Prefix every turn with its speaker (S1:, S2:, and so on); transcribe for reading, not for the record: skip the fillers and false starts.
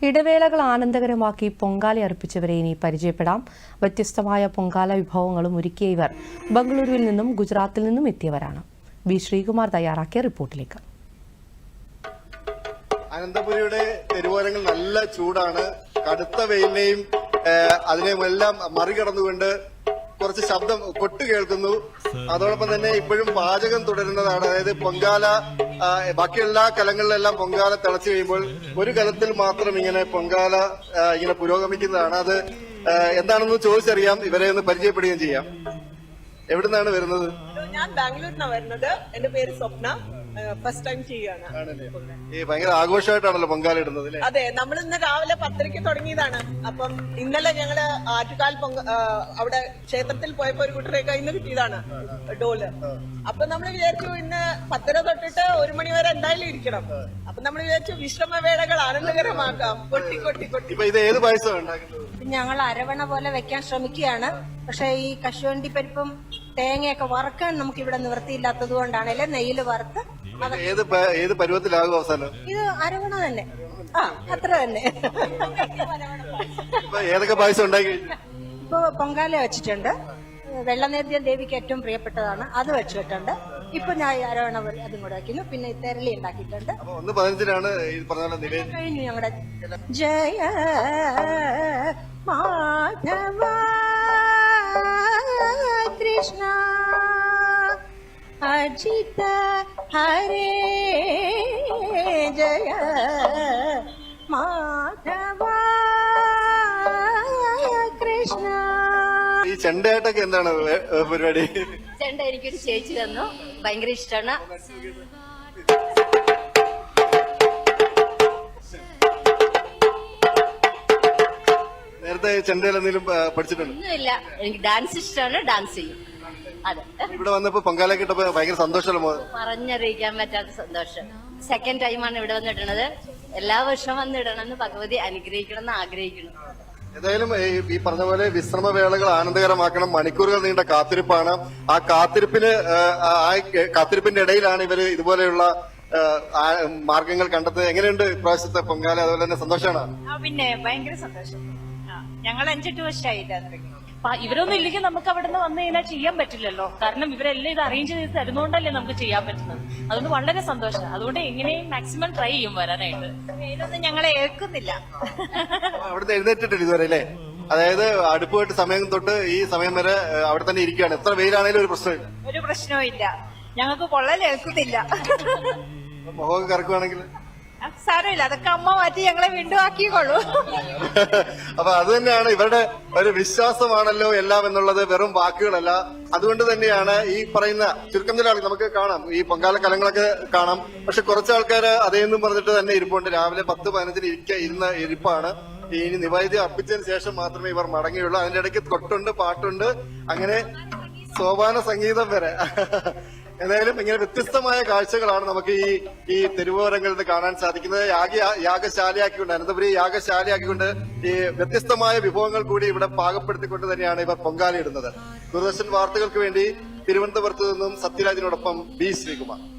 S1: ഇടവേളകൾ ആനന്ദകരമാക്കി പൊങ്കാല അർപ്പിച്ചവരെ ഇനി പരിചയപ്പെടാം. വ്യത്യസ്തമായ പൊങ്കാല വിഭവങ്ങളും ഒരുക്കിയ ഇവർ ബംഗളൂരുവിൽ നിന്നും ഗുജറാത്തിൽ നിന്നും എത്തിയവരാണ്. ബി ശ്രീകുമാർ തയ്യാറാക്കിയ റിപ്പോർട്ടിലേക്ക്.
S2: അനന്തപുരിയുടെ തെരുവോരങ്ങൾ നല്ല ചൂടാണ്. കടുത്ത വെയിലിനെയും അതിനെയുമെല്ലാം മറികടന്നുകൊണ്ട് കുറച്ച് ശബ്ദം കൊട്ടു കേൾക്കുന്നു. അതോടൊപ്പം തന്നെ ഇപ്പോഴും പാചകം തുടരുന്നതാണ്. അതായത് പൊങ്കാല ബാക്കി എല്ലാ കലങ്ങളിലെല്ലാം പൊങ്കാല തിളച്ചു കഴിയുമ്പോൾ ഒരു കലത്തിൽ മാത്രം ഇങ്ങനെ പൊങ്കാല ഇങ്ങനെ പുരോഗമിക്കുന്നതാണ്. അത് എന്താണെന്ന് ചോദിച്ചറിയാം, ഇവരെ ഒന്ന് പരിചയപ്പെടുകയും ചെയ്യാം. എവിടുന്നാണ് വരുന്നത്?
S3: ഞാൻ ബാംഗ്ലൂരിനാണ് വരുന്നത്. എന്റെ പേര് സ്വപ്ന. ഫസ്റ്റ് ടൈം ചെയ്യാണ്.
S2: ഈ ഭയങ്കര ആഘോഷമായിട്ടാണല്ലോ പൊങ്കാല ഇടുന്നത്.
S3: അതെ, നമ്മൾ ഇന്ന് രാവിലെ 10:30 തുടങ്ങിയതാണ്. അപ്പം ഇന്നലെ ഞങ്ങള് ആറ്റുകാൽ അവിടെ ക്ഷേത്രത്തിൽ പോയപ്പോ ഒരു കുട്ടരെ കയ്യിൽ നിന്ന് കിട്ടിയതാണ് ഡോല്. അപ്പൊ നമ്മൾ വിചാരിച്ചു ഇന്ന് 10:30 തൊട്ടിട്ട് 1 മണി വരെ എന്തായാലും ഇരിക്കണം. അപ്പൊ നമ്മൾ വിചാരിച്ചു വിശ്രമവേളകൾ ആനന്ദകരമാക്കാം. കൊട്ടി കൊട്ടി കൊട്ടി.
S2: ഇത് ഏത് പായസമാണ് ഉണ്ടാക്കുന്നത്?
S4: ഞങ്ങൾ അരവണ പോലെ വെക്കാൻ ശ്രമിക്കുകയാണ്. പക്ഷെ ഈ കശുവണ്ടി പരിപ്പും തേങ്ങയൊക്കെ വറുക്കാൻ നമുക്ക് ഇവിടെ നിവൃത്തിയില്ലാത്തത് കൊണ്ടാണല്ലേ നെയ്യില് വറുത്ത്.
S2: ഏത് പരുവത്തിലാകും അവസാനം?
S4: ഇത് അരവണ തന്നെ. അത്ര തന്നെ.
S2: ഏതൊക്കെ പായസം ഉണ്ടാക്കി?
S4: ഇപ്പൊ പൊങ്കാല വെച്ചിട്ടുണ്ട്. വെള്ളനേദ്യം ദേവിക്ക് ഏറ്റവും പ്രിയപ്പെട്ടതാണ്, അത് വെച്ചിട്ടുണ്ട്. ഇപ്പൊ ഞാൻ അരവണ അതും കൂടെ വയ്ക്കുന്നു. പിന്നെ തെരളി ഉണ്ടാക്കിയിട്ടുണ്ട്.
S2: 1:15
S4: കഴിഞ്ഞു ഞങ്ങളുടെ ജയ മാധവ കൃഷ്ണ അജിത ഹരേ ജയ മാധവ കൃഷ്ണ.
S2: ഈ ചെണ്ടയായിട്ടൊക്കെ എന്താണ് പരിപാടി?
S4: ചെണ്ട എനിക്കൊരു ചേച്ചി തന്നു, ഭയങ്കര ഇഷ്ടമാണ്.
S2: നേരത്തെ ചെണ്ടയിൽ എന്തെങ്കിലും പഠിച്ചിട്ടുണ്ട്?
S4: ഒന്നുമില്ല, എനിക്ക് ഡാൻസ് ഇഷ്ടമാണ്, ഡാൻസ് ചെയ്യും. അതെ,
S2: ഇവിടെ വന്നപ്പോ പൊങ്കാല കിട്ടപ്പോ ഭയങ്കര സന്തോഷമല്ലോ?
S4: പറഞ്ഞറിയിക്കാൻ പറ്റാത്ത സന്തോഷം. സെക്കൻഡ് ടൈമാണ് ഇവിടെ വന്നിടുന്നത്. എല്ലാ വർഷവും വന്നിടണമെന്ന് ഭഗവതി അനുഗ്രഹിക്കണം എന്ന് ആഗ്രഹിക്കണം.
S2: ഏതായാലും ഈ പറഞ്ഞ പോലെ വിശ്രമവേളകൾ ആനന്ദകരമാക്കണം. മണിക്കൂറുകൾ നീണ്ട കാത്തിരിപ്പാണ്. ആ കാത്തിരിപ്പിന്റെ ഇടയിലാണ് ഇവര് ഇതുപോലെയുള്ള മാർഗങ്ങൾ കണ്ടെത്തുന്നത്. എങ്ങനെയുണ്ട് ഇപ്രാവശ്യത്തെ പൊങ്കാല? അതുപോലെ തന്നെ സന്തോഷമാണ്?
S5: പിന്നെ ഭയങ്കര സന്തോഷം. ഞങ്ങൾ 5-8 വർഷമായിട്ട് ഇവരൊന്നും ഇല്ലെങ്കിൽ നമുക്ക് അവിടെ നിന്ന് വന്നു കഴിഞ്ഞാൽ ചെയ്യാൻ പറ്റില്ലല്ലോ. കാരണം ഇവരെല്ലാം ഇത് അറേഞ്ച് ചെയ്ത് തരുന്നോണ്ടല്ലേ നമുക്ക് ചെയ്യാൻ പറ്റുന്നത്. അതുകൊണ്ട് വളരെ സന്തോഷം. അതുകൊണ്ട് എങ്ങനെയും മാക്സിമം ട്രൈ ചെയ്യും വരാനായിട്ട്. വെയിലൊന്നും ഞങ്ങളെ ഏൽക്കുന്നില്ല.
S2: അവിടുന്ന് എഴുന്നേറ്റിട്ടില്ല ഇതുവരെ അല്ലേ? അതായത് അടുപ്പ് പോയിട്ട് സമയം തൊട്ട് ഈ സമയം വരെ അവിടെ തന്നെ ഇരിക്കുകയാണ്. എത്ര വെയിലാണേലും ഒരു പ്രശ്നമില്ല.
S5: ഒരു പ്രശ്നവും ഇല്ല. ഞങ്ങൾക്ക് പൊള്ളലേൽക്കുന്നില്ല.
S2: മുഖമൊക്കെ കറക്കുവാണെങ്കിൽ
S5: സാരമില്ല, അതൊക്കെ അമ്മ മാറ്റി ഞങ്ങളെ വീണ്ടും ആക്കിക്കോളൂ.
S2: അപ്പൊ അത് തന്നെയാണ് ഇവരുടെ ഒരു വിശ്വാസമാണല്ലോ എല്ലാം എന്നുള്ളത്, വെറും വാക്കുകളല്ല. അതുകൊണ്ട് തന്നെയാണ് ഈ പറയുന്ന ചുരുക്കം ചില ആളുകൾ നമുക്ക് കാണാം, ഈ പൊങ്കാല കലങ്ങളൊക്കെ കാണാം. പക്ഷെ കുറച്ച് ആൾക്കാർ അതേന്നും പറഞ്ഞിട്ട് തന്നെ ഇരിപ്പുണ്ട്. രാവിലെ 10-15 ഇരുന്ന ഇരിപ്പാണ്. ഇനി നിവേദ്യം അർപ്പിച്ചതിന് ശേഷം മാത്രമേ ഇവർ മടങ്ങിയുള്ളൂ. അതിന്റെ ഇടയ്ക്ക് കൊട്ടുണ്ട്, പാട്ടുണ്ട്, അങ്ങനെ സോപാന സംഗീതം വരെ. എന്തായാലും ഇങ്ങനെ വ്യത്യസ്തമായ കാഴ്ചകളാണ് നമുക്ക് ഈ തെരുവോരങ്ങളിൽ കാണാൻ സാധിക്കുന്നത്. യാഗശാലയാക്കിക്കൊണ്ട്, അനന്തപുരി യാഗശാലയാക്കിക്കൊണ്ട് ഈ വ്യത്യസ്തമായ വിഭവങ്ങൾ കൂടി ഇവിടെ പാകപ്പെടുത്തിക്കൊണ്ട് തന്നെയാണ് ഇവർ പൊങ്കാലയിടുന്നത്. ദൂരദർശൻ വാർത്തകൾക്ക് വേണ്ടി തിരുവനന്തപുരത്ത് നിന്നും സത്യരാജിനോടൊപ്പം ബി ശ്രീകുമാർ.